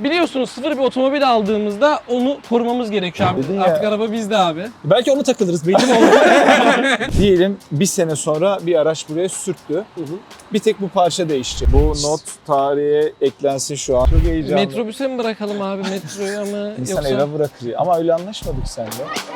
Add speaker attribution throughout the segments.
Speaker 1: Biliyorsunuz sıfır bir otomobil aldığımızda onu korumamız gerekiyor abi.
Speaker 2: Dedin ya.
Speaker 1: Artık araba bizde abi.
Speaker 3: Belki onu takılırız. Belli mi oldu?
Speaker 2: Diyelim bir sene sonra bir araç buraya sürttü. Bir tek bu parça değişecek. Bu not tarihe eklensin şu an. Çok heyecanlı.
Speaker 1: Metrobüse mi bırakalım abi, metroya mı?
Speaker 2: İnsan
Speaker 1: Yoksa
Speaker 2: eve bırakır. Ama öyle anlaşmadık seninle.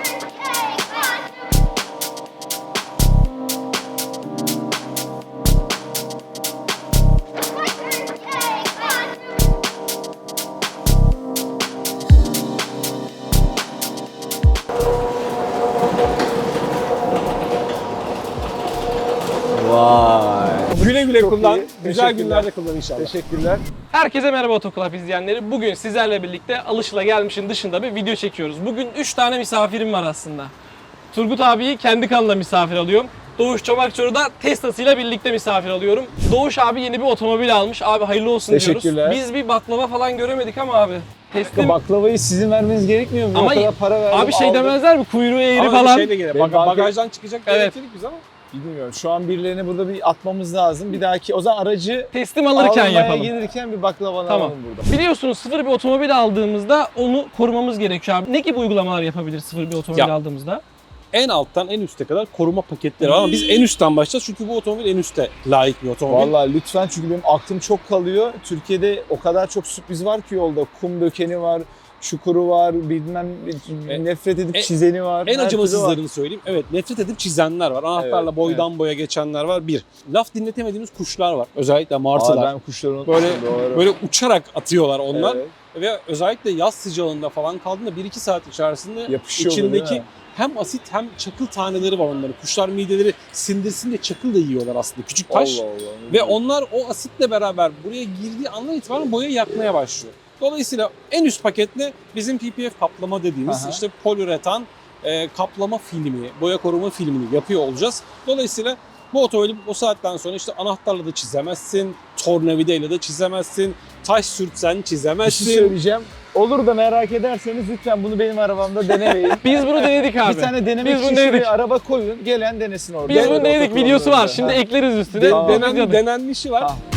Speaker 2: Vay.
Speaker 3: Güle güle
Speaker 2: Çok
Speaker 3: kullan.
Speaker 2: iyi.
Speaker 3: Güzel
Speaker 2: Teşekkürler.
Speaker 3: günlerde kullan inşallah.
Speaker 2: Teşekkürler.
Speaker 1: Herkese merhaba Otoklap izleyenleri. Bugün sizlerle birlikte alışılagelmişin dışında bir video çekiyoruz. Bugün 3 tane misafirim var aslında. Turgut abiyi kendi kanalına misafir alıyorum. Doğuş Çomakçoru da Tesla'sıyla birlikte misafir alıyorum. Doğuş abi yeni bir otomobil almış. Abi hayırlı olsun diyoruz.
Speaker 2: Teşekkürler.
Speaker 1: Biz bir baklava falan göremedik ama abi. Teslim.
Speaker 2: Baklavayı sizin vermeniz gerekmiyor mu?
Speaker 1: Ama
Speaker 2: o kadar para verdim.
Speaker 1: Abi şey
Speaker 2: aldım.
Speaker 1: demezler mi? Kuyruğu eğri
Speaker 3: Ama
Speaker 1: falan.
Speaker 3: şey de gelir.
Speaker 2: Benim
Speaker 3: Bagajdan çıkacak
Speaker 1: Evet.
Speaker 3: gerektirdik biz ama.
Speaker 2: Bilmiyorum. Şu an birilerini burada bir atmamız lazım. Bir dahaki o zaman aracı
Speaker 1: Teslim alırken
Speaker 2: almaya
Speaker 1: yapalım.
Speaker 2: gelirken bir baklava
Speaker 1: Tamam.
Speaker 2: alalım burada.
Speaker 1: Biliyorsunuz sıfır bir otomobil aldığımızda onu korumamız gerekiyor abi. Ne gibi uygulamalar yapabiliriz sıfır bir otomobil
Speaker 3: Ya.
Speaker 1: aldığımızda?
Speaker 3: En alttan en üste kadar koruma paketleri var ama biz en üstten başlayacağız çünkü bu otomobil en üste layık bir otomobil.
Speaker 2: Vallahi lütfen, çünkü benim aklım çok kalıyor. Türkiye'de o kadar çok sürpriz var ki yolda. Kum dökeni var, çukuru var, bilmem nefret edip çizeni var.
Speaker 3: En
Speaker 2: her türlü var.
Speaker 3: acımasızlarını söyleyeyim. Evet, nefret edip çizenler var. Anahtarla
Speaker 2: Evet,
Speaker 3: boydan boya geçenler var. Bir. Laf dinletemediğimiz kuşlar var. Özellikle martılar.
Speaker 2: Ben kuşları unutmuşum,
Speaker 3: Böyle
Speaker 2: doğru.
Speaker 3: böyle uçarak atıyorlar onlar.
Speaker 2: Evet.
Speaker 3: Ve özellikle yaz sıcağında falan kaldığında 1-2 saat içerisinde
Speaker 2: Yapışıyor bu,
Speaker 3: içindeki
Speaker 2: değil mi?
Speaker 3: hem asit hem çakıl taneleri var onların. Kuşlar mideleri sindirsin diye çakıl da yiyorlar aslında. Küçük taş.
Speaker 2: Allah Allah.
Speaker 3: Ve onlar o asitle beraber buraya girdiği andan itibaren boya yakmaya başlıyor. Dolayısıyla en üst paketle bizim PPF kaplama dediğimiz
Speaker 2: Aha.
Speaker 3: işte poliüretan kaplama filmi, boya koruma filmini yapıyor olacağız. Dolayısıyla bu otomobili o saatten sonra işte anahtarla da çizemezsin, tornavidayla da çizemezsin, taş sürtsen
Speaker 2: bir
Speaker 3: çizemezsin.
Speaker 2: şey söyleyeceğim. Olur da merak ederseniz lütfen bunu benim arabamda denemeyin.
Speaker 1: Biz bunu denedik abi.
Speaker 2: Bir tane denemek
Speaker 1: Biz bunu
Speaker 2: için
Speaker 1: denedik.
Speaker 2: şuraya araba koyun, gelen denesin orada.
Speaker 1: Biz bunu denedik, videosu var. Şimdi ekleriz üstüne.
Speaker 2: Tamam.
Speaker 3: Denenmişi var.
Speaker 2: Ha.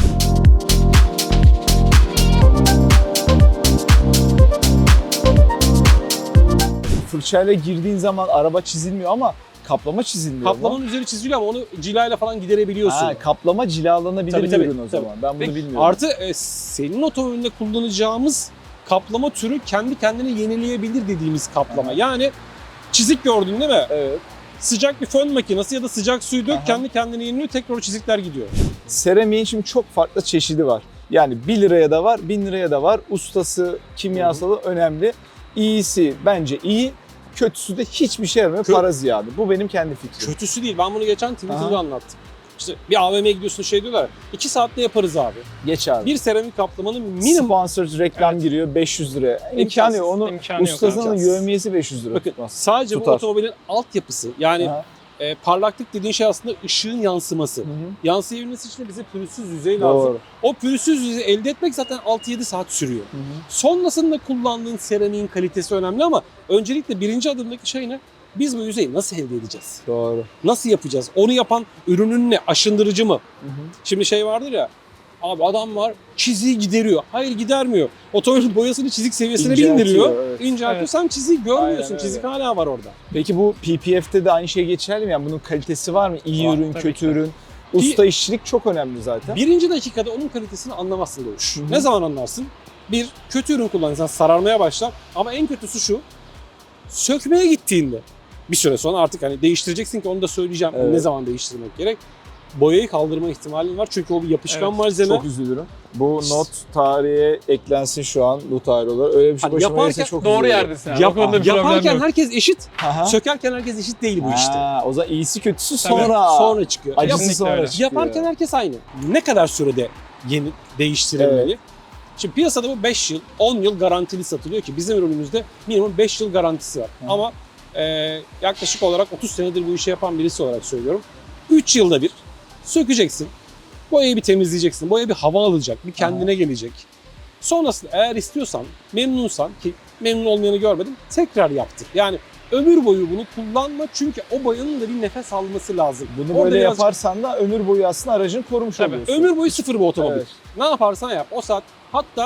Speaker 2: Fırçayla girdiğin zaman araba çizilmiyor ama kaplama çizilmiyor.
Speaker 3: Kaplamanın üzeri çiziliyor ama onu cilayla falan giderebiliyorsun.
Speaker 2: Ha, kaplama cilalanabilir
Speaker 3: Tabii,
Speaker 2: bir
Speaker 3: tabii,
Speaker 2: ürün o
Speaker 3: tabii.
Speaker 2: zaman. Ben bunu
Speaker 1: Peki,
Speaker 2: bilmiyorum.
Speaker 3: Artı senin otomobilinde kullanacağımız kaplama türü kendi kendini yenileyebilir dediğimiz kaplama.
Speaker 2: Aha.
Speaker 3: Yani çizik gördün değil mi?
Speaker 2: Evet.
Speaker 3: Sıcak bir fön makinesi ya da sıcak suyu dök
Speaker 2: Aha.
Speaker 3: kendi kendini yeniliyor, tekrar o çizikler gidiyor.
Speaker 2: Seramiğin şimdi çok farklı çeşidi var. Yani 1 liraya da var, 1000 liraya da var. Ustası, kimyasalı önemli. İyisi bence iyi, kötüsü de hiçbir şey yaramıyor, para ziyade. Bu benim kendi fikrim.
Speaker 3: Kötüsü değil. Ben bunu geçen Twitter'da
Speaker 2: Aha.
Speaker 3: anlattım. İşte bir AVM'ye gidiyorsun şey diyorlar. 2 saatte yaparız abi.
Speaker 2: Geç abi.
Speaker 3: Bir seramik kaplamanın minimum
Speaker 2: Sponsored reklam
Speaker 1: Evet.
Speaker 2: giriyor 500 liraya. İmkanı
Speaker 3: İmkansız,
Speaker 2: yok. Onu
Speaker 1: imkanı yok
Speaker 2: ustasının
Speaker 3: abi.
Speaker 2: yövmiyesi 500 lira
Speaker 3: bakın
Speaker 2: tutmaz.
Speaker 3: sadece
Speaker 2: Tutar.
Speaker 3: bu otomobilin altyapısı yani
Speaker 2: Aha.
Speaker 3: parlaklık dediğin şey aslında ışığın yansıması.
Speaker 2: Hı hı.
Speaker 3: Yansıyabilmesi için de bize pürüzsüz yüzey lazım.
Speaker 2: Doğru.
Speaker 3: O pürüzsüz yüzeyi elde etmek zaten 6-7 saat sürüyor.
Speaker 2: Hı hı.
Speaker 3: Sonrasında kullandığın seramiğin kalitesi önemli ama öncelikle birinci adımdaki şey ne? Biz bu yüzeyi nasıl elde edeceğiz?
Speaker 2: Doğru.
Speaker 3: Nasıl yapacağız? Onu yapan ürünün ne? Aşındırıcı mı?
Speaker 2: Hı hı.
Speaker 3: Şimdi şey vardır ya, abi adam var çiziği gideriyor. Hayır gidermiyor. Otomobilin boyasını çizik seviyesine bir
Speaker 2: İnceltiyor,
Speaker 3: indiriyor.
Speaker 2: evet.
Speaker 3: İnceltiyor.
Speaker 1: Evet.
Speaker 3: Sen çiziği görmüyorsun.
Speaker 2: Aynen öyle.
Speaker 3: Çizik hala var orada.
Speaker 2: Peki bu PPF'te de aynı şey geçerli mi? Yani bunun kalitesi var mı? İyi
Speaker 3: Var,
Speaker 2: ürün,
Speaker 1: tabii
Speaker 2: kötü
Speaker 1: ki.
Speaker 2: ürün. Usta işçilik çok önemli zaten.
Speaker 3: Birinci dakikada onun kalitesini anlamazsın Doğuş.
Speaker 2: Hı hı.
Speaker 3: Ne zaman anlarsın? Bir, kötü ürün kullanırsan sararmaya başlar. Ama en kötüsü şu, sökmeye gittiğinde bir süre sonra artık hani değiştireceksin ki onu da söyleyeceğim.
Speaker 2: Evet.
Speaker 3: Ne zaman değiştirmek gerek? Boyayı kaldırma ihtimalin var çünkü o bir yapışkan
Speaker 1: Evet,
Speaker 3: malzeme.
Speaker 2: Çok üzülürüm. Bu not tarihe eklensin şu an bu tarih olarak. Öyle bir şey
Speaker 3: Hani
Speaker 2: başıma
Speaker 3: yaparken
Speaker 2: gelirse çok
Speaker 1: Doğru
Speaker 2: üzülürüm.
Speaker 1: yerdesin abi.
Speaker 3: Yap-
Speaker 1: O konuda bir problem
Speaker 3: yaparken
Speaker 1: yok.
Speaker 3: herkes eşit,
Speaker 2: Aha.
Speaker 3: sökerken herkes eşit değil bu işte.
Speaker 2: Ha, o zaman iyisi kötüsü
Speaker 1: Tabii.
Speaker 2: sonra.
Speaker 3: Çıkıyor.
Speaker 2: Acısı
Speaker 1: Kesinlikle
Speaker 2: sonra
Speaker 1: öyle.
Speaker 2: çıkıyor.
Speaker 3: Yaparken herkes aynı. Ne kadar sürede yeni değiştirilmeli? Şimdi piyasada bu 5 yıl, 10 yıl garantili satılıyor ki bizim ürünümüzde minimum 5 yıl garantisi var.
Speaker 2: Hı.
Speaker 3: Ama yaklaşık olarak 30 senedir bu işi yapan birisi olarak söylüyorum. 3 yılda bir sökeceksin, boyayı bir temizleyeceksin, boya bir hava alacak, bir kendine gelecek. Sonrasında eğer istiyorsan, memnunsan ki memnun olmayanı görmedim, tekrar yaptır. Yani ömür boyu bunu kullanma çünkü o boyanın da bir nefes alması lazım.
Speaker 2: Bunu
Speaker 3: Orada
Speaker 2: böyle
Speaker 3: birazcık-
Speaker 2: yaparsan da ömür boyu aslında aracını korumuş
Speaker 1: Tabii.
Speaker 2: oluyorsun.
Speaker 3: Ömür boyu sıfır bu otomobil.
Speaker 2: Evet.
Speaker 3: Ne yaparsan yap. O saat hatta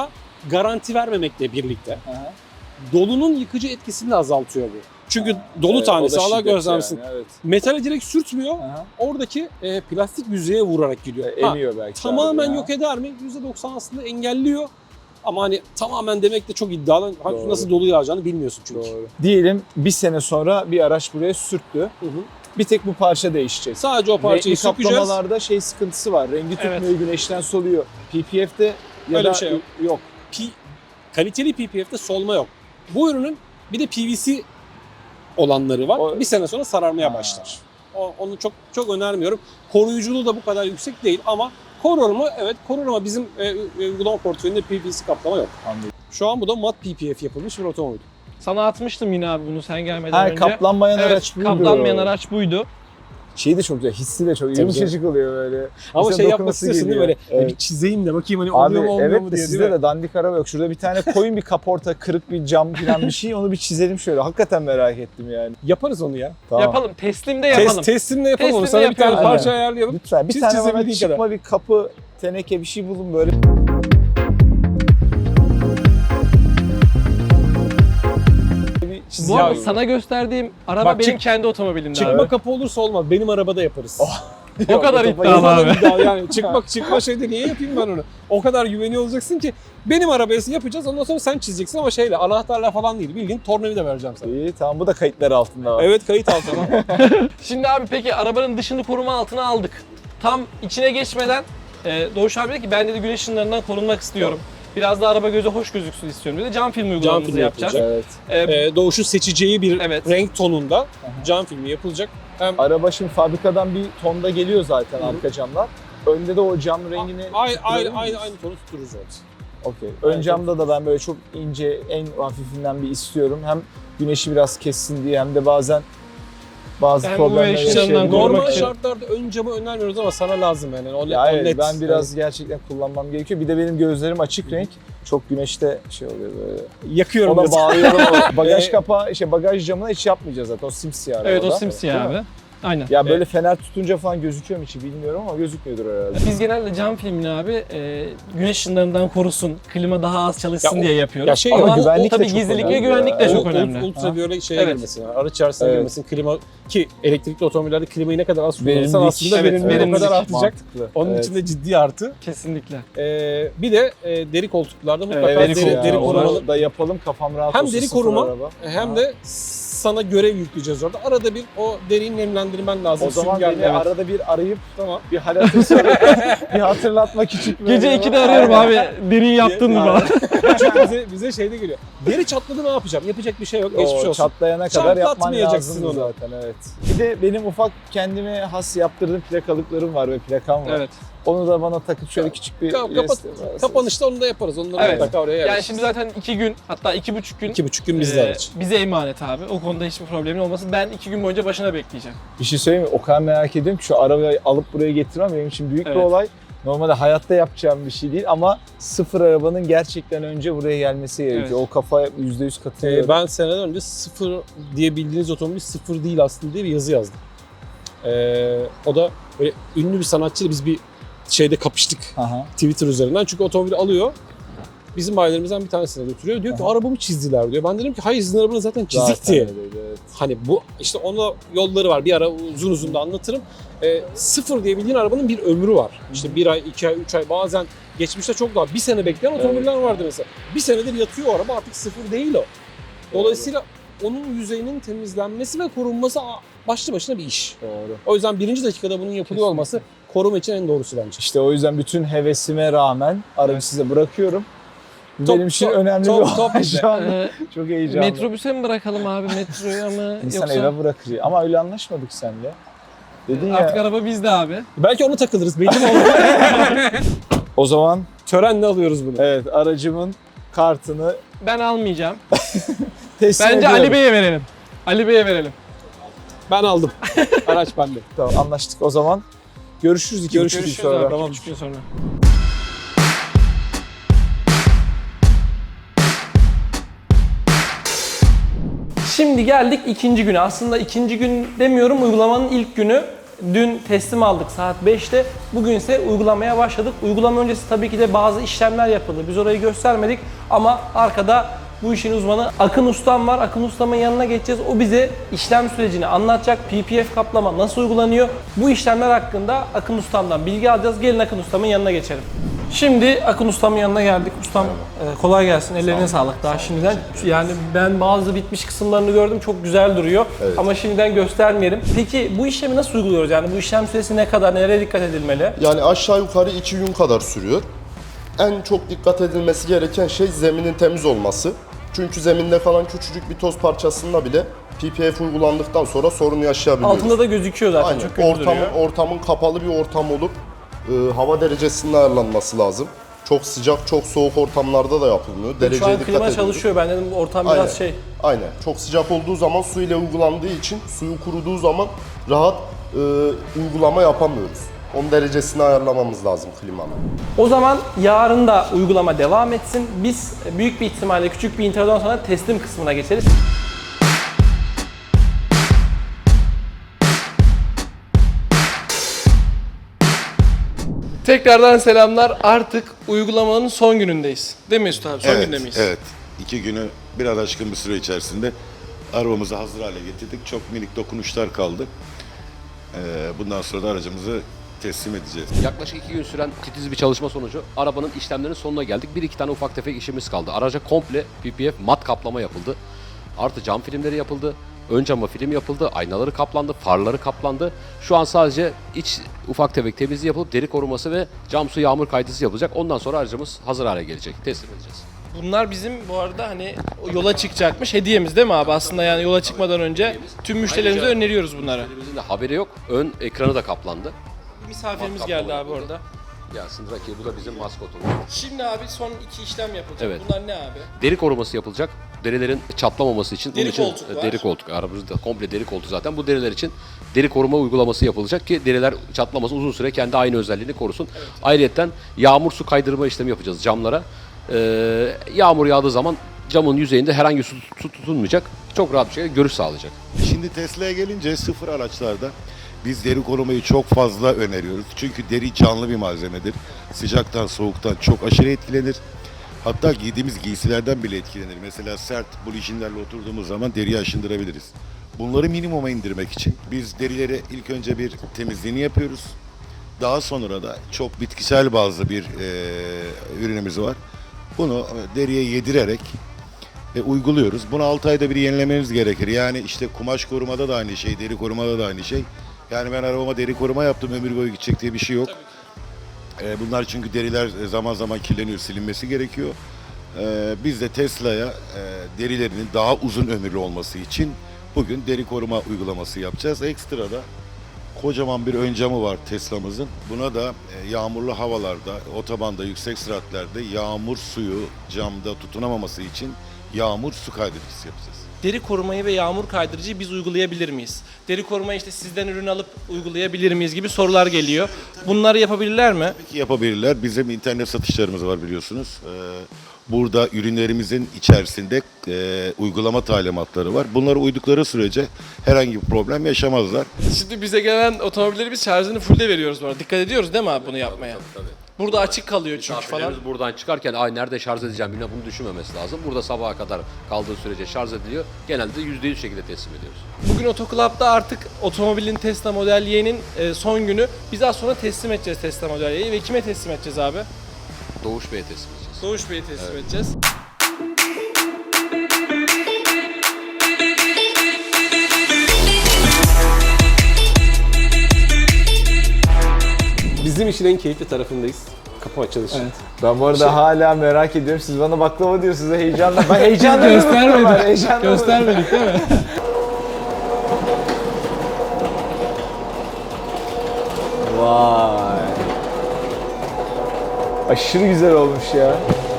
Speaker 3: garanti vermemekle birlikte
Speaker 2: Aha.
Speaker 3: dolunun yıkıcı etkisini de azaltıyor bu. Çünkü dolu
Speaker 2: Evet,
Speaker 3: tanesi
Speaker 2: o da
Speaker 3: Allah
Speaker 2: şiddet
Speaker 3: gözlemsin.
Speaker 2: yani, evet.
Speaker 3: Metale direkt sürtmüyor.
Speaker 2: Aha.
Speaker 3: Oradaki plastik yüzeye vurarak gidiyor. Ha,
Speaker 2: Emiyor belki.
Speaker 3: tamamen
Speaker 2: abi ya.
Speaker 3: yok eder mi? %90 aslında engelliyor. Ama hani tamamen demek de çok iddialı.
Speaker 2: Doğru.
Speaker 3: Nasıl dolu yağacağını bilmiyorsun çünkü.
Speaker 2: Doğru. Diyelim bir sene sonra bir araç buraya sürttü.
Speaker 3: Hı hı.
Speaker 2: Bir tek bu parça değişecek.
Speaker 3: Sadece o parçayı
Speaker 2: Renkli
Speaker 3: sökeceğiz.
Speaker 2: kaplamalarda şey sıkıntısı var. Rengi tutmuyor,
Speaker 1: Evet.
Speaker 2: güneşten soluyor. PPF'de ya
Speaker 3: Öyle
Speaker 2: da
Speaker 3: bir şey yok.
Speaker 2: yok.
Speaker 3: Kaliteli PPF'de solma yok. Bu ürünün bir de PVC olanları var.
Speaker 2: O-
Speaker 3: Bir sene sonra sararmaya
Speaker 2: Ha.
Speaker 3: başlar. Onu çok önermiyorum. Koruyuculuğu da bu kadar yüksek değil ama korur mu? Evet korur ama bizim uygulama portföyünde PVC kaplama yok.
Speaker 2: Anladım.
Speaker 3: Şu an bu da mat PPF yapılmış bir otomobil.
Speaker 1: Sana atmıştım yine abi bunu sen gelmeden
Speaker 2: Ha,
Speaker 1: önce.
Speaker 2: kaplanmayan
Speaker 1: Evet,
Speaker 2: araç buydu.
Speaker 1: kaplanmayan araç buydu.
Speaker 2: Şeyi de çok güzel, hissi de çok
Speaker 3: Tabii
Speaker 2: yumuşacık oluyor böyle.
Speaker 3: Ama
Speaker 2: İnsan
Speaker 3: şey yapmak
Speaker 2: dokunması
Speaker 3: istiyorsun değil mi?
Speaker 2: geliyor.
Speaker 3: Böyle
Speaker 2: Evet.
Speaker 3: bir çizeyim de bakayım hani
Speaker 2: Abi
Speaker 3: oluyor mu olmuyor
Speaker 2: evet
Speaker 3: mu
Speaker 2: de
Speaker 3: diye
Speaker 2: sizde
Speaker 3: değil mi?
Speaker 2: de dandik araba yok. Şurada bir tane koyun bir kaporta, kırık bir cam falan bir şey. Onu bir çizelim şöyle. Hakikaten merak ettim yani.
Speaker 3: Yaparız onu ya.
Speaker 2: Tamam.
Speaker 1: Yapalım. Teslimde yapalım.
Speaker 3: Teslimle yapalım onu.
Speaker 1: Teslimle
Speaker 3: Sana bir tane
Speaker 1: yapalım.
Speaker 3: parça ayarlayalım.
Speaker 2: Lütfen bir
Speaker 3: Çiz
Speaker 2: tane bana
Speaker 3: çizemediğin
Speaker 2: çıkma
Speaker 3: kadar.
Speaker 2: bir kapı, teneke bir şey bulun böyle. Bir
Speaker 1: Bu
Speaker 2: çizim
Speaker 1: arada
Speaker 2: yapayım.
Speaker 1: sana gösterdiğim araba
Speaker 3: Bak,
Speaker 1: benim kendi otomobilimde
Speaker 3: Çıkma
Speaker 1: abi.
Speaker 3: kapı olursa olmaz. Benim arabada yaparız.
Speaker 1: O kadar
Speaker 2: Yok,
Speaker 1: iddialı
Speaker 3: Vallahi
Speaker 1: abi.
Speaker 3: iddia yani çıkma şeyde niye yapayım ben onu? O kadar güveniyor olacaksın ki benim arabaya yapacağız ondan sonra sen çizeceksin ama şeyle anahtarla falan değil. Bildiğin tornavida vereceğim sana.
Speaker 2: İyi tamam, bu da kayıtlar altında var.
Speaker 3: Evet kayıt altına.
Speaker 1: Şimdi abi peki arabanın dışını koruma altına aldık. Tam içine geçmeden Doğuş abi dedi ki ben dedi güneş ışınlarından korunmak istiyorum. Biraz da araba göze hoş gözüksün istiyorum dedi. Cam film uygulamamızı
Speaker 3: filmi
Speaker 1: yapacağız.
Speaker 3: yapılacak.
Speaker 2: Evet.
Speaker 3: Doğuş'un seçeceği bir
Speaker 1: Evet.
Speaker 3: renk tonunda cam filmi yapılacak. Hem
Speaker 2: Araba şimdi fabrikadan bir tonda geliyor zaten
Speaker 3: Hı.
Speaker 2: arka camlar. Önde de o cam rengini
Speaker 3: aynı
Speaker 2: tutturabilir miyiz?
Speaker 3: tonu tuttururuz evet.
Speaker 2: Okey. Ön
Speaker 3: Evet,
Speaker 2: camda da ben böyle çok ince, en hafifinden bir istiyorum. Hem güneşi biraz kessin diye hem de bazen bazı
Speaker 1: Hem
Speaker 2: problemler
Speaker 1: UV ışınlarından
Speaker 2: yaşayabiliyor.
Speaker 1: korumak
Speaker 3: Normal
Speaker 1: için.
Speaker 3: şartlarda ön camı önermiyoruz ama sana lazım yani. O,
Speaker 2: Ya
Speaker 3: o
Speaker 2: evet,
Speaker 3: net.
Speaker 2: ben biraz gerçekten kullanmam gerekiyor. Bir de benim gözlerim açık renk. Çok güneşte şey oluyor böyle.
Speaker 3: yakıyorum.
Speaker 2: Ona
Speaker 3: biraz.
Speaker 2: bağlıyorum. Bagaj
Speaker 3: Ee,
Speaker 2: kapağı, işte bagaj camına hiç yapmayacağız zaten. O simsiyah
Speaker 1: Evet o
Speaker 2: arabada.
Speaker 1: simsiyah
Speaker 2: Değil mi?
Speaker 1: abi. Aynen.
Speaker 2: Ya böyle fener tutunca falan gözüküyor mu hiç bilmiyorum ama gözükmüyordur herhalde.
Speaker 1: Biz genelde cam filmini abi güneş ışınlarından korusun, klima daha az çalışsın
Speaker 3: Ya o-
Speaker 1: diye yapıyoruz.
Speaker 3: ya şey
Speaker 1: Ama
Speaker 2: ama
Speaker 1: o
Speaker 2: güvenlik de
Speaker 1: tabii
Speaker 2: çok
Speaker 1: gizlilik ve
Speaker 2: önemli
Speaker 1: güvenlik de
Speaker 2: ya.
Speaker 1: çok önemli.
Speaker 3: Ultraviyole şeye
Speaker 1: Evet.
Speaker 3: girmesin, yani araç içerisine
Speaker 2: Evet.
Speaker 3: girmesin, klima ki elektrikli otomobillerde klimayı ne kadar az kullanırsan
Speaker 2: Verimlilik.
Speaker 3: aslında
Speaker 1: Evet,
Speaker 3: verimlilik o
Speaker 1: verimlilik.
Speaker 3: kadar artacak.
Speaker 2: Mantıklı.
Speaker 3: Onun
Speaker 2: Evet.
Speaker 3: için de ciddi artı.
Speaker 1: Kesinlikle.
Speaker 3: Bir de deri koltuklarda mutlaka
Speaker 2: Evet
Speaker 1: deri
Speaker 2: ya,
Speaker 3: deri
Speaker 2: onu
Speaker 3: korumalı
Speaker 2: da yapalım, kafam rahat
Speaker 3: Hem
Speaker 2: olsun.
Speaker 3: deri
Speaker 2: sıfır
Speaker 3: koruma,
Speaker 2: araba.
Speaker 3: hem
Speaker 2: Ha.
Speaker 3: de sana görev yükleyeceğiz orada. Arada bir o deriyi nemlendirmen lazım.
Speaker 2: O zaman
Speaker 3: Süngerle,
Speaker 2: beni
Speaker 3: evet.
Speaker 2: arada bir arayıp
Speaker 3: Tamam.
Speaker 2: bir hal hatır sorup bir hatırlatmak için.
Speaker 1: Gece
Speaker 2: böyle
Speaker 1: 2'de arıyorum abi. Deriyi yaptın mı
Speaker 3: Aynen.
Speaker 1: falan.
Speaker 3: Çünkü bize şeyde geliyor. Deri çatladı ne yapacağım? Yapacak bir şey yok. Geçmiş
Speaker 2: O
Speaker 3: olsun.
Speaker 2: çatlayana kadar yapman
Speaker 3: Çatlatmayacaksın
Speaker 2: lazım
Speaker 3: onu.
Speaker 2: zaten, evet. Bir de benim ufak kendime has yaptırdığım plakalıklarım var ve plakam var.
Speaker 1: Evet.
Speaker 2: Onu da bana takıp şöyle küçük bir
Speaker 3: Kapanışta onu da yaparız. Onları
Speaker 1: Evet.
Speaker 3: mutlaka oraya yerleşiriz.
Speaker 1: Yani şimdi zaten 2 gün hatta 2,5 gün
Speaker 3: 2,5 gün bizde araç.
Speaker 1: bize emanet abi. O konuda hiçbir problemin olmasın. Ben 2 gün boyunca başına bekleyeceğim.
Speaker 2: Bir şey söyleyeyim mi? O kadar merak ediyorum ki şu arabayı alıp buraya getirmem benim için büyük bir
Speaker 1: Evet.
Speaker 2: olay. Normalde hayatta yapacağım bir şey değil ama sıfır arabanın gerçekten önce buraya gelmesi gerekiyor.
Speaker 1: Evet.
Speaker 2: O kafaya %100 katılıyorum.
Speaker 3: Ben seneden önce sıfır diye bildiğiniz otomobil sıfır değil aslında diye bir yazı yazdım. O da böyle ünlü bir sanatçıyla biz bir şeyde kapıştık
Speaker 2: Aha.
Speaker 3: Twitter üzerinden. Çünkü otomobili alıyor. Bizim bayilerimizden bir tanesine götürüyor. Diyor ki arabamı çizdiler diyor. Ben dedim ki hayır sizin arabanız zaten çizikti.
Speaker 2: Zaten öyleydi, evet.
Speaker 3: Hani bu işte ona yolları var. Bir ara uzun da anlatırım. Sıfır diye bildiğin arabanın bir ömrü var. İşte 1 ay, 2 ay, 3 ay bazen geçmişte çok daha 1 sene bekleyen otomobiller vardı mesela. 1 senedir yatıyor o araba artık sıfır değil o. Dolayısıyla onun yüzeyinin temizlenmesi ve korunması başlı başına bir iş.
Speaker 2: Doğru.
Speaker 3: O yüzden birinci dakikada bunun yapılıyor olması koruma için en doğrusu bence.
Speaker 2: İşte o yüzden bütün hevesime rağmen aracı size bırakıyorum. Bu
Speaker 3: Top-
Speaker 2: benim için
Speaker 3: top-
Speaker 2: önemli
Speaker 3: top-
Speaker 2: bir
Speaker 3: top
Speaker 2: olay
Speaker 3: bizde.
Speaker 2: şu an.
Speaker 1: Ee,
Speaker 2: Çok heyecanlı.
Speaker 1: metrobüse mi bırakalım abi metroya mı
Speaker 2: İnsan
Speaker 1: yoksa
Speaker 2: eve bırakır. Ama öyle anlaşmadık seninle. Dedin
Speaker 1: artık
Speaker 2: ya.
Speaker 1: araba bizde abi.
Speaker 3: Belki ona takılırız belli mi olur?
Speaker 2: O zaman
Speaker 3: Törenle alıyoruz bunu.
Speaker 2: evet, aracımın kartını
Speaker 1: Ben almayacağım.
Speaker 2: teslim
Speaker 1: Bence
Speaker 2: ediyorum.
Speaker 1: Ali Bey'e verelim. Ali Bey'e verelim.
Speaker 3: Ben aldım. Araç bende.
Speaker 2: Tamam, anlaştık o zaman. Görüşürüz 2,5 gün
Speaker 1: Görüşürüz
Speaker 2: sonra.
Speaker 1: abi.
Speaker 3: Tamam.
Speaker 1: 2,5 gün sonra. Şimdi geldik ikinci güne. Aslında ikinci gün demiyorum, uygulamanın ilk günü. Dün teslim aldık saat 5'te. Bugün ise uygulamaya başladık. Uygulama öncesi tabii ki de bazı işlemler yapıldı. Biz orayı göstermedik ama arkada bu işin uzmanı Akın Ustam var. Akın Ustam'ın yanına geçeceğiz. O bize işlem sürecini anlatacak. PPF kaplama nasıl uygulanıyor? Bu işlemler hakkında Akın Ustam'dan bilgi alacağız. Gelin Akın Ustam'ın yanına geçelim. Şimdi Akın Ustam'ın yanına geldik. Ustam kolay gelsin. Ellerine sağlık daha şimdiden. Yani ben bazı bitmiş kısımlarını gördüm. Çok güzel duruyor.
Speaker 4: Evet.
Speaker 1: Ama şimdiden göstermeyelim. Peki bu işlemi nasıl uyguluyoruz? Yani bu işlem süresi ne kadar? Nereye dikkat edilmeli?
Speaker 4: Yani aşağı yukarı 2 gün kadar sürüyor. En çok dikkat edilmesi gereken şey zeminin temiz olması. Çünkü zeminde kalan küçücük bir toz parçasında bile PPF uygulandıktan sonra sorun yaşayabiliyoruz.
Speaker 1: Altında da gözüküyor zaten.
Speaker 4: Aynen.
Speaker 1: Çok kötü duruyor.
Speaker 4: Ortamın kapalı bir ortam olup hava derecesinin ayarlanması lazım. Çok sıcak, çok soğuk ortamlarda da yapılmıyor.
Speaker 1: Şu
Speaker 4: Dereceye
Speaker 1: an
Speaker 4: dikkat
Speaker 1: klima
Speaker 4: ediliyor.
Speaker 1: çalışıyor. Ben dedim ortam
Speaker 4: Aynen.
Speaker 1: biraz şey.
Speaker 4: Aynen. Çok sıcak olduğu zaman su ile uygulandığı için suyu kuruduğu zaman rahat uygulama yapamıyoruz. Onun derecesini ayarlamamız lazım klimanın.
Speaker 1: O zaman yarın da uygulama devam etsin. Biz büyük bir ihtimalle küçük bir introdan sonra teslim kısmına geçeriz. Tekrardan selamlar. Artık uygulamanın son günündeyiz. Değil mi Mesut abi? Son günde miyiz?
Speaker 5: Evet. 2 günü biraz aşkın bir süre içerisinde arabamızı hazır hale getirdik. Çok minik dokunuşlar kaldı. Bundan sonra da aracımızı teslim edeceğiz.
Speaker 6: Yaklaşık 2 gün süren titiz bir çalışma sonucu arabanın işlemlerinin sonuna geldik. 1-2 tane ufak tefek işimiz kaldı. Araca komple PPF mat kaplama yapıldı. Artı cam filmleri yapıldı. Ön cama film yapıldı. Aynaları kaplandı. Farları kaplandı. Şu an sadece iç ufak tefek temizliği yapılıp deri koruması ve cam su yağmur kaydısı yapılacak. Ondan sonra aracımız hazır hale gelecek. Teslim edeceğiz.
Speaker 1: Bunlar bizim bu arada hani yola çıkacakmış hediyemiz değil mi abi? Aslında yani yola çıkmadan önce tüm müşterilerimize
Speaker 6: Ayrıca-
Speaker 1: öneriyoruz bunları.
Speaker 6: Müşterimizin de haberi yok. Ön ekranı da kaplandı.
Speaker 1: Misafirimiz
Speaker 6: Mat
Speaker 1: geldi
Speaker 6: kaplama
Speaker 1: abi
Speaker 6: yapıldı.
Speaker 1: orada.
Speaker 6: Gelsin Raki, bu da bizim maskotumuz.
Speaker 1: Şimdi abi son 2 işlem yapılacak.
Speaker 6: Evet.
Speaker 1: Bunlar ne abi?
Speaker 6: Deri koruması yapılacak. Derilerin çatlamaması için.
Speaker 1: Deri
Speaker 6: bunun için
Speaker 1: koltuk var.
Speaker 6: Deri koltuk. Arabamızda komple deri koltuk zaten. Bu deriler için deri koruma uygulaması yapılacak ki deriler çatlamasın, uzun süre kendi aynı özelliğini korusun. Evet. Ayrıyeten yağmur su kaydırma işlemi yapacağız camlara. Yağmur yağdığı zaman camın yüzeyinde herhangi su tutunmayacak. Çok rahat bir şekilde görüş sağlayacak.
Speaker 5: Şimdi Tesla'ya gelince sıfır araçlarda biz deri korumayı çok fazla öneriyoruz. Çünkü deri canlı bir malzemedir. Sıcaktan, soğuktan çok aşırı etkilenir. Hatta giydiğimiz giysilerden bile etkilenir. Mesela sert bulijinlerle oturduğumuz zaman deriyi aşındırabiliriz. Bunları minimuma indirmek için biz derileri ilk önce bir temizliğini yapıyoruz. Daha sonra da çok bitkisel bazlı bir ürünümüz var. Bunu deriye yedirerek uyguluyoruz. Bunu 6 ayda bir yenilemeniz gerekir. Yani işte kumaş korumada da aynı şey, deri korumada da aynı şey. Yani ben arabama deri koruma yaptım, ömür boyu gidecek diye bir şey yok. Bunlar çünkü deriler zaman zaman kirleniyor, silinmesi gerekiyor. Biz de Tesla'ya derilerinin daha uzun ömürlü olması için bugün deri koruma uygulaması yapacağız. Ekstra da kocaman bir ön camı var Tesla'mızın. Buna da yağmurlu havalarda, otobanda, yüksek süratlerde yağmur suyu camda tutunamaması için yağmur su kaydırıcısı yapacağız.
Speaker 1: Deri korumayı ve yağmur kaydırıcıyı biz uygulayabilir miyiz? Deri korumayı işte sizden ürün alıp uygulayabilir miyiz gibi sorular geliyor. Bunları yapabilirler mi?
Speaker 5: Tabii ki yapabilirler. Bizim internet satışlarımız var biliyorsunuz. Burada ürünlerimizin içerisinde uygulama talimatları var. Bunlara uydukları sürece herhangi bir problem yaşamazlar.
Speaker 1: Şimdi bize gelen otomobilleri biz şarjını full'de veriyoruz bu arada. Dikkat ediyoruz değil mi abi bunu yapmaya?
Speaker 6: Tabii.
Speaker 1: Burada açık kalıyor çünkü falan.
Speaker 6: Misafirlerimiz buradan çıkarken ay nerede şarj edeceğim bilmem, bunu düşünmemesi lazım. Burada sabaha kadar kaldığı sürece şarj ediliyor. Genelde %100 şekilde teslim ediyoruz.
Speaker 1: Bugün Otoclub'da artık otomobilin Tesla Model Y'nin son günü. Biz az sonra teslim edeceğiz Tesla Model Y'yi ve kime teslim edeceğiz abi?
Speaker 6: Doğuş Bey'e teslim edeceğiz.
Speaker 1: Doğuş Bey'e teslim edeceğiz.
Speaker 3: Bizim işin en keyifli tarafındayız. Kapı açılışı.
Speaker 2: Evet. Ben bu arada hala merak ediyorum. Siz bana baklava diyorsunuz heyecanla. Ben heyecanla göstermedik.
Speaker 1: Göstermedik değil mi?
Speaker 2: Vay. Aşırı güzel olmuş ya.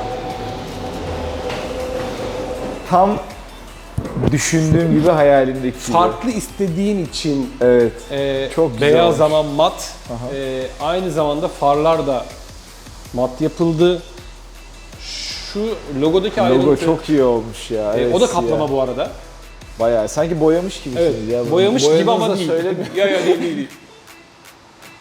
Speaker 2: Tam düşündüğüm gibi hayalimdeki gibi.
Speaker 3: Farklı istediğin için
Speaker 2: Evet. Çok güzel
Speaker 3: beyaz
Speaker 2: olmuş.
Speaker 3: ama mat. Aynı zamanda farlar da mat yapıldı. Şu logodaki
Speaker 2: Logo
Speaker 3: ayrıntı.
Speaker 2: çok iyi olmuş ya. Evet,
Speaker 3: o da kaplama
Speaker 2: ya.
Speaker 3: bu arada.
Speaker 2: Bayağı sanki boyamış gibisiniz
Speaker 3: Evet.
Speaker 2: ya.
Speaker 3: Boyamış gibi ama
Speaker 2: Boyadığınızı
Speaker 3: değil.
Speaker 2: söylemiyorum.
Speaker 3: Ya değil.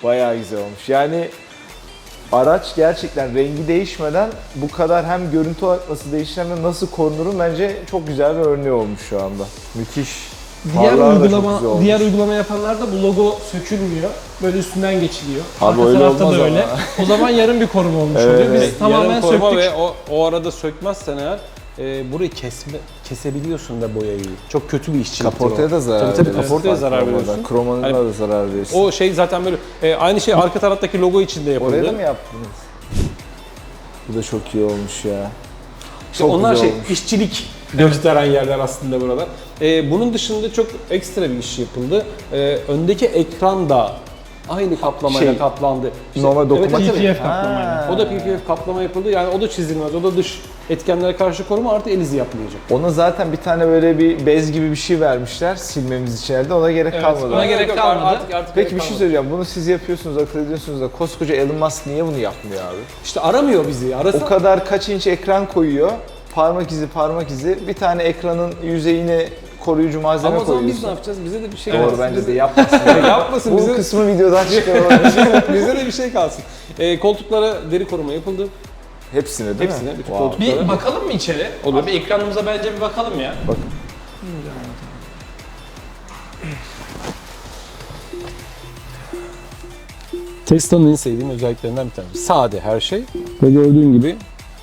Speaker 2: Bayağı güzel olmuş. Yani araç gerçekten rengi değişmeden bu kadar hem görüntü olarak nasıl değişir hem de nasıl korunurun bence çok güzel bir örneği olmuş şu anda. Müthiş.
Speaker 1: Diğer uygulama yapanlarda bu logo sökülmüyor. Böyle üstünden geçiliyor.
Speaker 2: Abi
Speaker 1: Arka
Speaker 2: öyle
Speaker 1: tarafta
Speaker 2: olmaz
Speaker 1: da öyle.
Speaker 2: ama.
Speaker 1: O zaman yarım bir koruma olmuş
Speaker 2: Evet,
Speaker 1: oluyor. Biz
Speaker 2: evet.
Speaker 1: tamamen
Speaker 3: Yarım koruma
Speaker 1: söktük.
Speaker 3: ve o arada sökmezsen eğer burayı kesebiliyorsun da boyayı. Çok kötü bir işçilik.
Speaker 2: Kaportaya da zarar
Speaker 3: Tabii
Speaker 2: veriyorsun.
Speaker 3: kaportaya zarar veriyorsun.
Speaker 2: Kromanına
Speaker 3: Hani
Speaker 2: da zarar veriyorsun.
Speaker 3: O şey zaten böyle aynı şey arka taraftaki logo için de yapıldı.
Speaker 2: Oraya da mı yaptınız? Bu da çok iyi olmuş ya.
Speaker 3: İşte
Speaker 2: Çok
Speaker 3: onlar
Speaker 2: güzel
Speaker 3: şey
Speaker 2: olmuş.
Speaker 3: işçilik gösteren yerler aslında buralar. Bunun dışında çok ekstra bir iş yapıldı. Öndeki ekran da aynı kaplamayla
Speaker 2: Şey,
Speaker 3: kaplandı.
Speaker 2: normal dokuma
Speaker 3: evet,
Speaker 1: PPF kaplamayla.
Speaker 2: Ha.
Speaker 3: o da PPF kaplama yapıldı. Yani o da çizilmez. O da dış etkenlere karşı koruma artı el izi yapmayacak.
Speaker 2: Ona zaten bir tane böyle bir bez gibi bir şey vermişler silmemiz için elde. Ona gerek
Speaker 1: Evet,
Speaker 2: kalmadı.
Speaker 1: ona gerek kalmadı.
Speaker 3: Artık
Speaker 2: Peki
Speaker 3: gerek
Speaker 2: bir şey
Speaker 3: kalmadı.
Speaker 2: söyleyeceğim. Bunu siz yapıyorsunuz, akıl ediyorsunuz da koskoca Elon Musk niye bunu yapmıyor abi?
Speaker 3: İşte aramıyor bizi. Arasa
Speaker 2: O kadar kaç inç ekran koyuyor. Parmak izi. Bir tane ekranın yüzeyine koruyucu malzeme
Speaker 3: ama o zaman
Speaker 2: koyuyorsun.
Speaker 3: biz ne yapacağız? Bize de bir şey
Speaker 2: Doğru
Speaker 3: kalsın.
Speaker 2: bence de yapmasın.
Speaker 3: Yapmasın
Speaker 2: Bu
Speaker 3: bize.
Speaker 2: kısmı videodan çıkaralım.
Speaker 3: Bize de bir şey kalsın. Koltuklara deri koruma yapıldı.
Speaker 2: Hepsine değil
Speaker 3: Hepsine,
Speaker 2: mi?
Speaker 3: bütün
Speaker 2: Wow.
Speaker 3: koltuk-
Speaker 1: Bir bakalım mı içeri?
Speaker 3: Olur.
Speaker 1: Abi ekranımıza bence bir bakalım ya.
Speaker 2: Bak.
Speaker 3: Tesla'nın en sevdiğim özelliklerinden bir tanesi. Sade her şey. Ve gördüğün gibi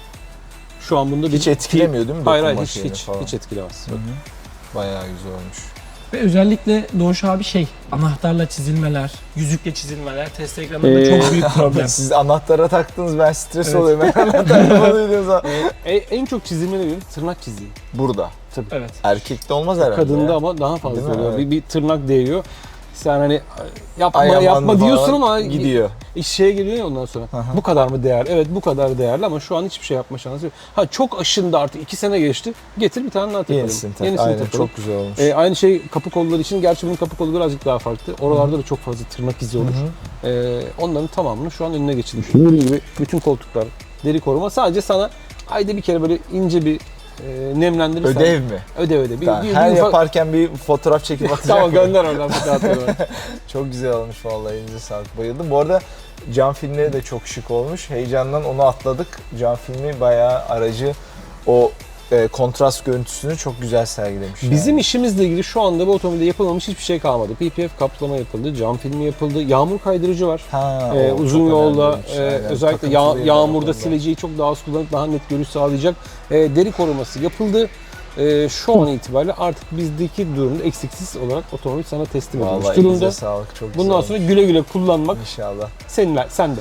Speaker 3: şu an bunda
Speaker 2: Hiç etkilemiyor değil mi?
Speaker 3: Hayır
Speaker 2: dokunma
Speaker 3: hiç
Speaker 2: şeyini
Speaker 3: hiç
Speaker 2: falan?
Speaker 3: hiç etkilemez.
Speaker 2: Bayağı güzel olmuş.
Speaker 1: Ve özellikle Doğuş abi anahtarla çizilmeler, yüzükle çizilmeler test ekranında çok büyük problem.
Speaker 2: Siz anahtara taktınız, ben stres
Speaker 1: Evet.
Speaker 2: oluyorum. Ben anahtarla oluyor zaman.
Speaker 3: En çok çizilmeleri göre tırnak çiziği.
Speaker 2: Burada.
Speaker 1: Evet.
Speaker 2: Erkekte olmaz herhalde.
Speaker 3: Kadında
Speaker 2: ya.
Speaker 3: ama daha fazla
Speaker 2: Değil mi?
Speaker 3: oluyor.
Speaker 2: Evet.
Speaker 3: Bir tırnak değiyor. Sen hani
Speaker 2: Ay aman
Speaker 3: yapma
Speaker 2: falan
Speaker 3: diyorsun ama
Speaker 2: gidiyor.
Speaker 3: şeye geliyor ya ondan sonra.
Speaker 2: Aha.
Speaker 3: Bu kadar mı değer? Evet bu kadar değerli ama şu an hiçbir şey yapma şansı yok. Ha çok aşındı artık 2 sene geçti. Getir bir tane daha takalım.
Speaker 2: Yenisini tak.
Speaker 3: Yenisini
Speaker 2: Aynen,
Speaker 3: takalım.
Speaker 2: çok güzel olmuş.
Speaker 3: Aynı şey kapı kolları için. Gerçi bunun kapı kolu birazcık daha farklı. Oralarda da çok fazla tırnak izi olur. Onların tamamını şu an önüne geçilmiş. Gördüğün gibi bütün koltuklar deri koruma. Sadece sana ayda bir kere böyle ince bir nemlendirirsen.
Speaker 2: Ödev mi?
Speaker 3: Ödev.
Speaker 2: Tamam, her yaparken bir fotoğraf çekip atacak
Speaker 3: Tamam
Speaker 2: mı?
Speaker 3: gönder oradan fotoğrafları.
Speaker 2: Çok güzel olmuş vallahi, elinize sağlık, bayıldım. Bu arada cam filmleri de çok şık olmuş. Heyecandan onu atladık. Cam filmi bayağı aracı o kontrast görüntüsünü çok güzel sergilemiş.
Speaker 3: Bizim
Speaker 2: yani.
Speaker 3: işimizle ilgili şu anda bu otomobilde yapılmamış hiçbir şey kalmadı. PPF kaplama yapıldı, cam filmi yapıldı, yağmur kaydırıcı var.
Speaker 2: Ha, o
Speaker 3: Uzun
Speaker 2: çok
Speaker 3: yolda
Speaker 2: önemliymiş, aynen.
Speaker 3: özellikle
Speaker 2: Takıntılıyım ben
Speaker 3: yağmurda
Speaker 2: o konuda.
Speaker 3: sileceği çok daha az kullanıp daha net görüş sağlayacak deri koruması yapıldı. Şu an itibariyle artık bizdeki durumda eksiksiz olarak otomobil sana teslim edilmiş
Speaker 2: Vallahi
Speaker 3: durumda.
Speaker 2: elinize sağlık, çok güzel
Speaker 3: Bundan
Speaker 2: olmuş.
Speaker 3: sonra güle güle kullanmak
Speaker 2: İnşallah.
Speaker 3: sende.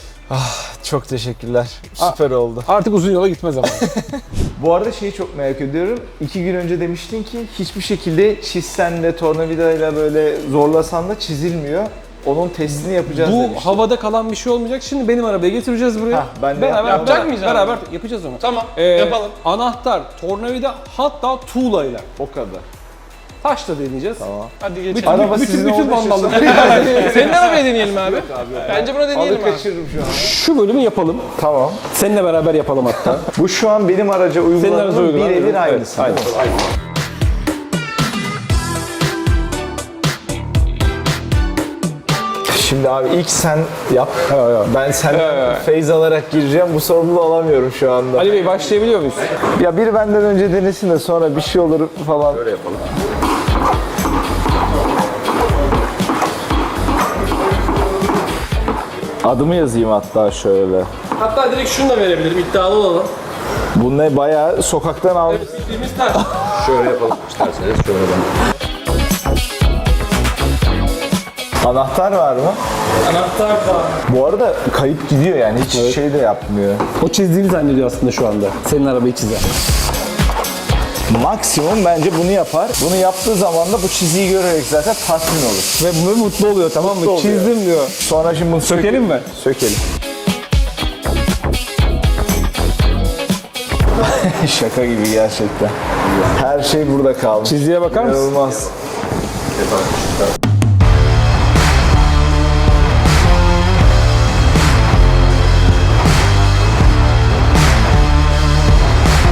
Speaker 2: Çok teşekkürler. Süper oldu.
Speaker 3: Artık uzun yola gitme zamanı.
Speaker 2: Bu arada şeyi çok merak ediyorum. 2 gün önce demiştin ki hiçbir şekilde çizsen de tornavidayla böyle zorlasan da çizilmiyor. Onun testini yapacağız
Speaker 3: Bu
Speaker 2: demiştin.
Speaker 3: havada kalan bir şey olmayacak. Şimdi benim arabayı getireceğiz buraya.
Speaker 2: Hah, ben de
Speaker 1: yapacak mıyız abi?
Speaker 3: Beraber yapacağız onu.
Speaker 1: Tamam, yapalım.
Speaker 3: Anahtar, tornavida hatta tuğlayla.
Speaker 2: O kadar.
Speaker 3: Taşla deneyeceğiz.
Speaker 2: Tamam.
Speaker 1: Hadi geçelim.
Speaker 3: Bütün,
Speaker 2: Araba
Speaker 3: bütün,
Speaker 2: sizin
Speaker 3: bütün
Speaker 2: olduğu için
Speaker 3: vandallık.
Speaker 1: Senin arabayı deneyelim abi. Bence bunu deneyelim
Speaker 2: Alı
Speaker 1: abi.
Speaker 2: kaçırırım şu an.
Speaker 3: Şu bölümü yapalım.
Speaker 2: Tamam.
Speaker 3: Seninle beraber yapalım hatta.
Speaker 2: Bu şu an benim araca
Speaker 3: Senin araca
Speaker 2: uyguladığım
Speaker 3: uygulanan,
Speaker 2: birebir
Speaker 3: evet,
Speaker 2: aynısı.
Speaker 3: aynen,
Speaker 2: değil mi?
Speaker 3: aynen.
Speaker 2: Şimdi abi ilk sen yap.
Speaker 3: Ya.
Speaker 2: Ben senden feyz alarak gireceğim. Bu sorumluluğu alamıyorum şu anda.
Speaker 3: Ali Bey başlayabiliyor muyuz?
Speaker 2: Ya biri benden önce denesin de sonra bir şey olur falan. Öyle yapalım. Adımı yazayım hatta şöyle.
Speaker 1: Hatta direkt şunu da verebilirim, iddialı olalım.
Speaker 2: Bu ne, bayağı sokaktan aldım.
Speaker 1: Bildiğimiz taş.
Speaker 6: Şöyle yapalım isterseniz şöyle ben.
Speaker 2: Anahtar var mı?
Speaker 1: Anahtar var.
Speaker 2: Bu arada kayıp gidiyor yani, hiç şey de yapmıyor.
Speaker 3: O çizdiğini zannediyor aslında şu anda. Senin arabayı çizer.
Speaker 2: Maksimum bence bunu yapar. Bunu yaptığı zaman da bu çiziyi görerek zaten tatmin olur.
Speaker 3: Ve bu mutlu oluyor tamam mı?
Speaker 2: Mutlu oluyor.
Speaker 3: Çizdim diyor.
Speaker 2: Sonra şimdi bunu
Speaker 3: Sökelim mi?
Speaker 2: Sökelim. Şaka gibi gerçekten. Her şey burada kalmış.
Speaker 3: Çizgiye bakar mısın?
Speaker 2: İnanılmaz.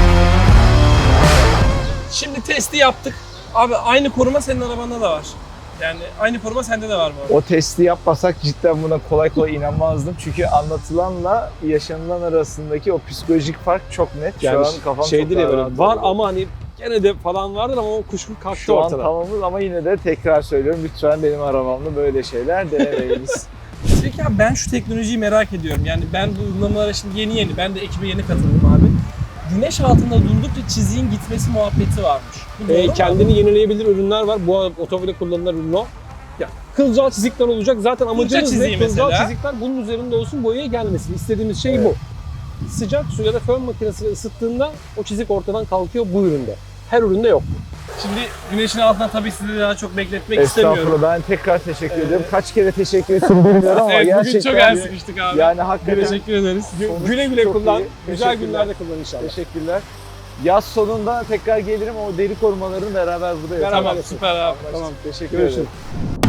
Speaker 1: Şimdi testi yaptık. Abi aynı koruma senin arabanda da var. Yani aynı koruma sende de var mı?
Speaker 2: O testi yapmasak cidden buna kolay kolay inanmazdım. Çünkü anlatılanla yaşanılan arasındaki o psikolojik fark çok net. Şu
Speaker 3: Yani
Speaker 2: an kafam
Speaker 3: şey
Speaker 2: çok
Speaker 3: değil ya,
Speaker 2: daha
Speaker 3: böyle
Speaker 2: rahat
Speaker 3: var
Speaker 2: oldu.
Speaker 3: ama hani gene de falan vardır ama o kuşku kalktı
Speaker 2: Şu an
Speaker 3: ortadan.
Speaker 2: tamamız ama yine de tekrar söylüyorum. Lütfen benim arabamda böyle şeyler denemeyiniz.
Speaker 1: Peki abi ben şu teknolojiyi merak ediyorum. Yani ben bu uygulamalara şimdi yeni, ben de ekibe yeni katıldım abi. Güneş altında durdukça çiziğin gitmesi muhabbeti varmış. Bu doğru mu?
Speaker 3: Kendini yenileyebilir ürünler var. Bu otomobile kullanılan ürün o. Ya, kılcal çizikler olacak. Zaten amacımız ne?
Speaker 1: çiziği
Speaker 3: Kılcal
Speaker 1: mesela.
Speaker 3: çizikler bunun üzerinde olsun, boyaya gelmesin. İstediğimiz şey bu. Sıcak su ya da fön makinesiyle ısıttığında o çizik ortadan kalkıyor bu üründe. Her üründe yok.
Speaker 1: Şimdi güneşin altında tabii sizi daha çok bekletmek istemiyorum.
Speaker 2: Estağfurullah, ben tekrar teşekkür ederim. Kaç kere teşekkür ettim bilmiyorum ama
Speaker 1: Evet, bugün
Speaker 2: gerçekten
Speaker 1: çok el sıkıştık abi.
Speaker 2: yani hakikaten
Speaker 1: Teşekkür ederiz.
Speaker 2: sonuç
Speaker 3: Güle güle
Speaker 2: çok
Speaker 3: kullan.
Speaker 2: iyi.
Speaker 3: Güzel
Speaker 2: Teşekkürler.
Speaker 3: günlerde kullan inşallah.
Speaker 2: Teşekkürler. Yaz sonunda tekrar gelirim, o deri korumalarını beraber burada yapalım.
Speaker 3: Beraber
Speaker 1: Tamam
Speaker 3: yapalım.
Speaker 1: süper abi.
Speaker 2: Tamam, teşekkür
Speaker 3: Görüşürüz.
Speaker 2: ederim.